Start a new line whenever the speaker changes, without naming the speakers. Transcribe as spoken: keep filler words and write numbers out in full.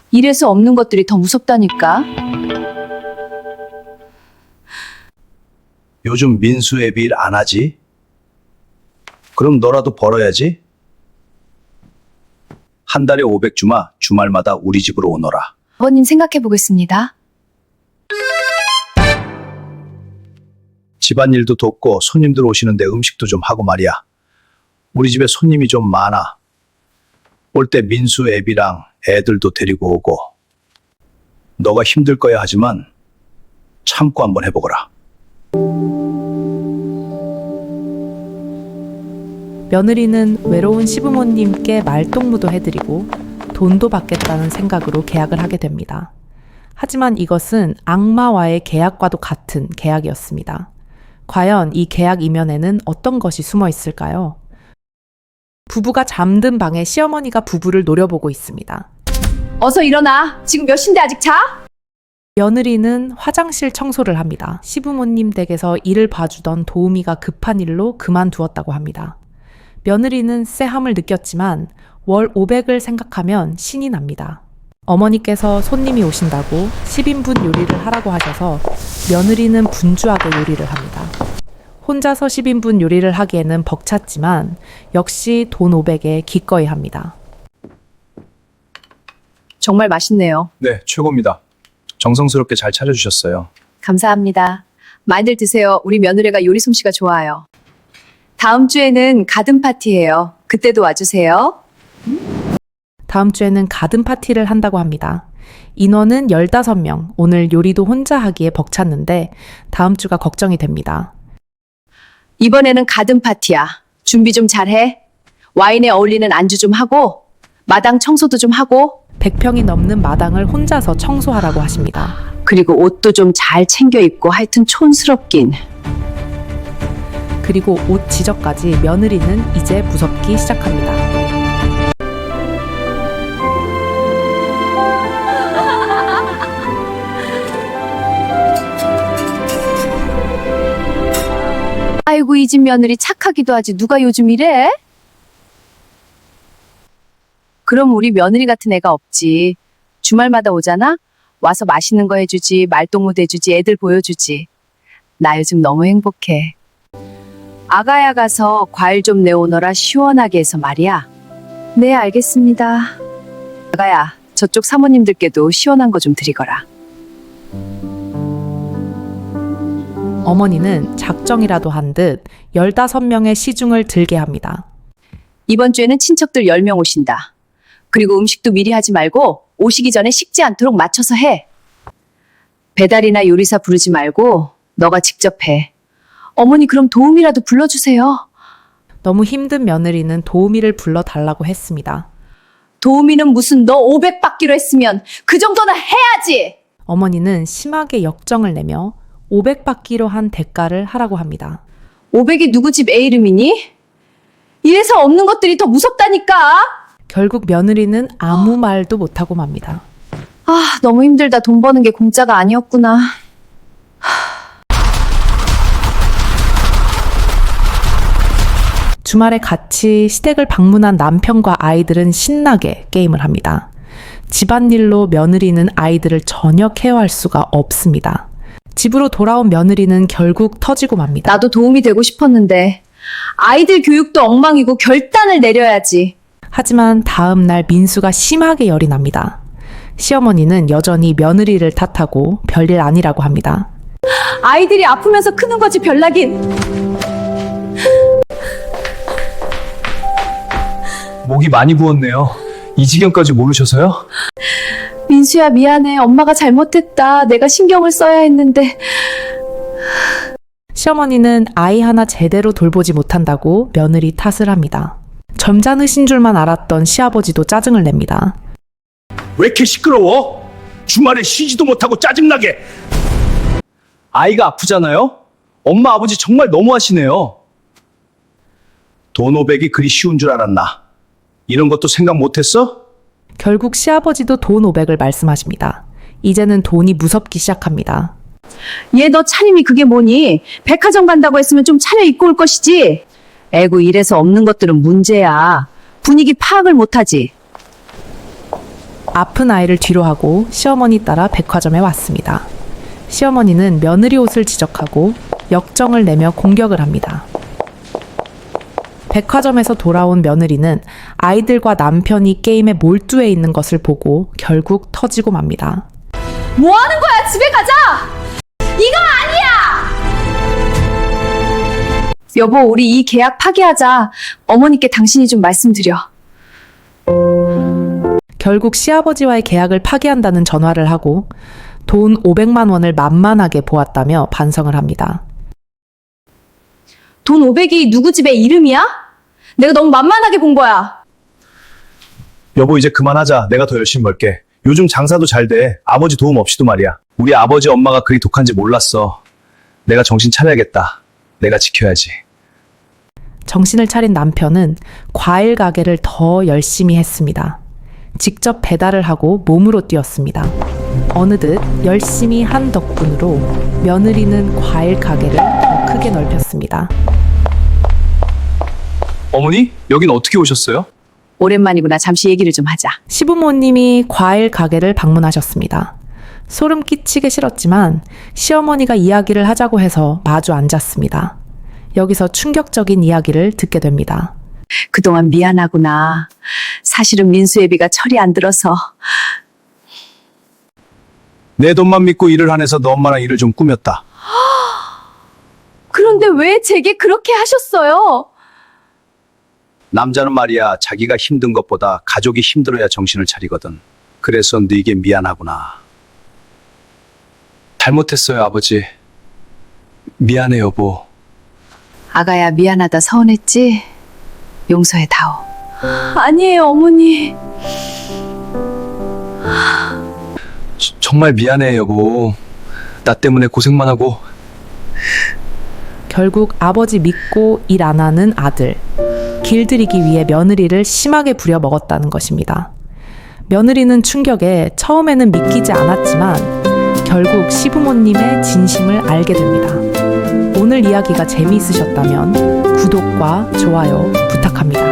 이래서 없는 것들이 더 무섭다니까.
요즘 민수 애비 일 안 하지? 그럼 너라도 벌어야지. 한 달에 오백 주마 주말마다 우리 집으로 오너라.
아버님 생각해 보겠습니다.
집안일도 돕고 손님들 오시는데 음식도 좀 하고 말이야. 우리 집에 손님이 좀 많아. 올 때 민수 애비랑 애들도 데리고 오고. 너가 힘들 거야 하지만 참고 한번 해보거라.
며느리는 외로운 시부모님께 말동무도 해드리고 돈도 받겠다는 생각으로 계약을 하게 됩니다. 하지만 이것은 악마와의 계약과도 같은 계약이었습니다. 과연 이 계약 이면에는 어떤 것이 숨어 있을까요? 부부가 잠든 방에 시어머니가 부부를 노려보고 있습니다.
어서 일어나. 지금 몇 시인데 아직 자?
며느리는 화장실 청소를 합니다. 시부모님 댁에서 일을 봐주던 도우미가 급한 일로 그만두었다고 합니다. 며느리는 쎄함을 느꼈지만 월 오백을 생각하면 신이 납니다. 어머니께서 손님이 오신다고 십 인분 요리를 하라고 하셔서 며느리는 분주하게 요리를 합니다. 혼자서 십 인분 요리를 하기에는 벅찼지만 역시 돈 오백에 기꺼이 합니다.
정말 맛있네요.
네, 최고입니다. 정성스럽게 잘 차려주셨어요.
감사합니다. 많이들 드세요. 우리 며느리가 요리 솜씨가 좋아요. 다음 주에는 가든 파티예요. 그때도 와주세요.
다음 주에는 가든 파티를 한다고 합니다. 인원은 열다섯 명. 오늘 요리도 혼자 하기에 벅찼는데 다음 주가 걱정이 됩니다.
이번에는 가든 파티야. 준비 좀 잘해. 와인에 어울리는 안주 좀 하고 마당 청소도 좀 하고
백 평이 넘는 마당을 혼자서 청소하라고 하십니다.
그리고 옷도 좀 잘 챙겨 입고 하여튼 촌스럽긴.
그리고 옷 지적까지 며느리는 이제 무섭기 시작합니다.
아이고 이 집 며느리 착하기도 하지 누가 요즘 이래? 그럼 우리 며느리 같은 애가 없지. 주말마다 오잖아? 와서 맛있는 거 해주지, 말동무도 해주지, 애들 보여주지. 나 요즘 너무 행복해. 아가야 가서 과일 좀 내오너라 시원하게 해서 말이야. 네 알겠습니다. 아가야 저쪽 사모님들께도 시원한 거 좀 드리거라.
어머니는 작정이라도 한 듯 열다섯 명의 시중을 들게 합니다.
이번 주에는 친척들 열 명 오신다. 그리고 음식도 미리 하지 말고 오시기 전에 식지 않도록 맞춰서 해. 배달이나 요리사 부르지 말고 너가 직접 해. 어머니 그럼 도우미라도 불러주세요.
너무 힘든 며느리는 도우미를 불러달라고 했습니다.
도우미는 무슨 너 오백 받기로 했으면 그 정도는 해야지.
어머니는 심하게 역정을 내며 오백 받기로 한 대가를 하라고 합니다.
오백이 누구 집 애 이름이니? 이래서 없는 것들이 더 무섭다니까.
결국 며느리는 아무 말도 못하고 맙니다.
아 너무 힘들다. 돈 버는 게 공짜가 아니었구나.
주말에 같이 시댁을 방문한 남편과 아이들은 신나게 게임을 합니다. 집안일로 며느리는 아이들을 전혀 케어할 수가 없습니다. 집으로 돌아온 며느리는 결국 터지고 맙니다.
나도 도움이 되고 싶었는데 아이들 교육도 엉망이고 결단을 내려야지.
하지만 다음 날 민수가 심하게 열이 납니다. 시어머니는 여전히 며느리를 탓하고 별일 아니라고 합니다.
아이들이 아프면서 크는 거지 별나긴.
목이 많이 부었네요. 이 지경까지 모르셔서요?
민수야 미안해. 엄마가 잘못했다. 내가 신경을 써야 했는데.
시어머니는 아이 하나 제대로 돌보지 못한다고 며느리 탓을 합니다. 점잖으신 줄만 알았던 시아버지도 짜증을 냅니다.
왜 이렇게 시끄러워? 주말에 쉬지도 못하고 짜증나게. 아이가 아프잖아요? 엄마 아버지 정말 너무하시네요. 돈 오백이 그리 쉬운 줄 알았나? 이런 것도 생각 못했어?
결국 시아버지도 돈 오백을 말씀하십니다. 이제는 돈이 무섭기 시작합니다.
얘 너 차림이 그게 뭐니? 백화점 간다고 했으면 좀 차려 입고 올 것이지. 에구 이래서 없는 것들은 문제야. 분위기 파악을 못하지.
아픈 아이를 뒤로 하고 시어머니 따라 백화점에 왔습니다. 시어머니는 며느리 옷을 지적하고 역정을 내며 공격을 합니다. 백화점에서 돌아온 며느리는 아이들과 남편이 게임에 몰두해 있는 것을 보고 결국 터지고 맙니다.
뭐 하는 거야? 집에 가자! 이거 아니야! 여보, 우리 이 계약 파기하자. 어머니께 당신이 좀 말씀드려.
결국 시아버지와의 계약을 파기한다는 전화를 하고 돈 오백만 원을 만만하게 보았다며 반성을 합니다.
돈 오백이 누구 집의 이름이야? 내가 너무 만만하게 본 거야.
여보, 이제 그만하자. 내가 더 열심히 벌게. 요즘 장사도 잘 돼. 아버지 도움 없이도 말이야. 우리 아버지 엄마가 그리 독한지 몰랐어. 내가 정신 차려야겠다. 내가 지켜야지.
정신을 차린 남편은 과일 가게를 더 열심히 했습니다. 직접 배달을 하고 몸으로 뛰었습니다. 어느덧 열심히 한 덕분으로 며느리는 과일 가게를 더 크게 넓혔습니다.
어머니, 여긴 어떻게 오셨어요?
오랜만이구나. 잠시 얘기를 좀 하자.
시부모님이 과일 가게를 방문하셨습니다. 소름 끼치게 싫었지만 시어머니가 이야기를 하자고 해서 마주 앉았습니다. 여기서 충격적인 이야기를 듣게 됩니다.
그동안 미안하구나. 사실은 민수 애비가 철이 안 들어서.
내 돈만 믿고 일을 안 해서 너 엄마랑 일을 좀 꾸몄다.
그런데 왜 제게 그렇게 하셨어요?
남자는 말이야, 자기가 힘든 것보다 가족이 힘들어야 정신을 차리거든. 그래서 네게 미안하구나. 잘못했어요, 아버지. 미안해, 여보.
아가야, 미안하다 서운했지? 용서해다오. 아니에요, 어머니.
저- 정말 미안해, 여보. 나 때문에 고생만 하고.
결국 아버지 믿고 일 안 하는 아들. 길들이기 위해 며느리를 심하게 부려먹었다는 것입니다. 며느리는 충격에 처음에는 믿기지 않았지만 결국 시부모님의 진심을 알게 됩니다. 오늘 이야기가 재미있으셨다면 구독과 좋아요 부탁합니다.